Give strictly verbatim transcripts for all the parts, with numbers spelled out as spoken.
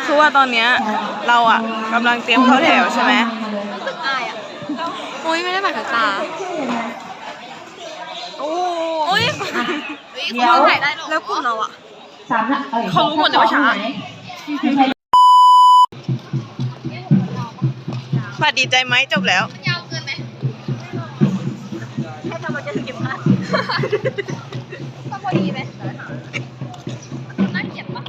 คือว่าตอนเนี้ยเราอ่ะกำลังเตรียมเข้าแถวใช่ไหมรู้สึกอายอ่ะโอ้ยไม่ได้บัตรตาโอ้ยเดี๋ยวถ่ายได้หรอแล้วกลุ่มเราอ่ะเขารู้หมดเลยว่าช้าปัดดีใจไหมจบแล้วยาวเกินไหมให้ทำมันจะถึงกี่พันต้องพอดีไหมน่าเกลียดปะ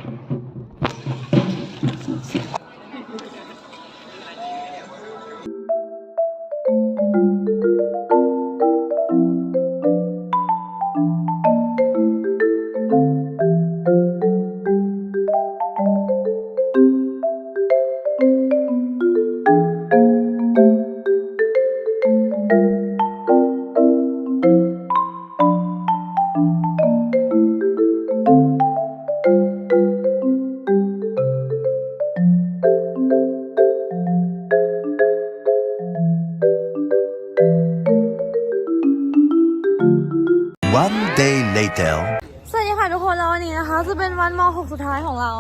One day later สวัสดีค่ะทุกคนแล้ววันนี้นะคะจะเป็นวันม .หก สุดท้ายของเรา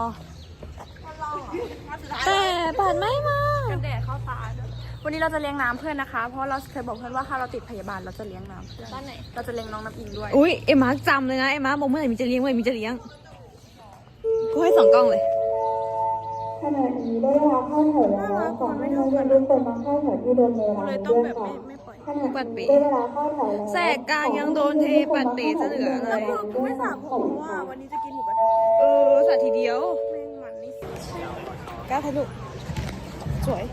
แต่บัตรไม่มากันแดดเข้าตาวันนี้เราจะเลี้ยงน้ำเพื่อนนะคะเพราะเราเคยบอกเพื่อนว่าถ้าเราติดพยาบาลเราจะเลี้ยงน้ำเพื่อนบ้านไหนเราจะเลี้ยงน้องน้ำอิงด้วยอุ้ยเอ็มมาร์กจำเลยนะเอ็มมาร์กบอกเมื่อไหร่มีจะเลี้ยงเมื่อไหร่มีจะเลี้ยงกูให้สองกล้องเลยขณะนี้ได้เวลาเข้าแถวแล้วขอให้นักเรียนทุกคนมาเข้าแถวที่เดิมในร้านด้วยค่ะขณะนี้ได้เวลาเข้าแถวแล้วแสกกลางยังโดนเทปัดเตะซะเหลือเลยกูไม่สระผมเพราะว่าวันนี้จะกินหมูกระทะเออสระทีเดียวแม่งมันนี่กล้าถ่ายรูปสวย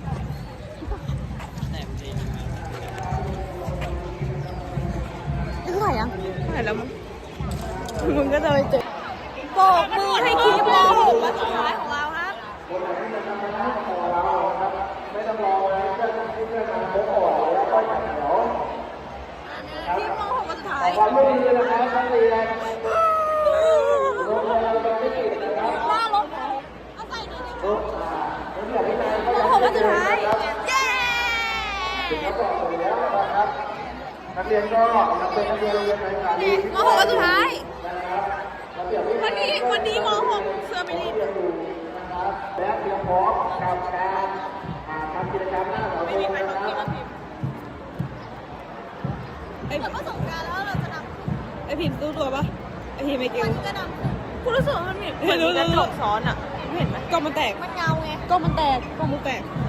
นี่ถ่ายยังถ่ายแล้วมึงมึงก็จะไปเจอโบกมือให้คลิปม .หก วันสุดท้ายของเราครับไม่ต้องรอเลยเพื่อนที่เพื่อนมาพบก่อนแล้วก็จัดแถวคลิปม .หก วันสุดท้ายความไม่ดีนะครับไม่ดีเลยหน้ารถเอาใส่หน่อยดิม .หก วันสุดท้ายเย้นักเรียนก็นักเรียนนักเรียนโรงเรียนไหนกันม .หก วันสุดท้ายวันนี้วันนี้ม .หก เสื้อไม่รีดและเตรียมพร้อมกับการทำกิจกรรมหน้าเสาธงนะครับไอ้ผมก็ส่งการแล้วเราจะนำไอ้พิมพ์รู้ตัวปะไอ้พิมพ์ไม่เก่งจะนำคุณรู้สึกว่ามันเหมือนกระจกซ้อนอ่ะเห็นไหมกล้องมันแตกมันเงาไงกล้องมันแตกกล้องมันแตก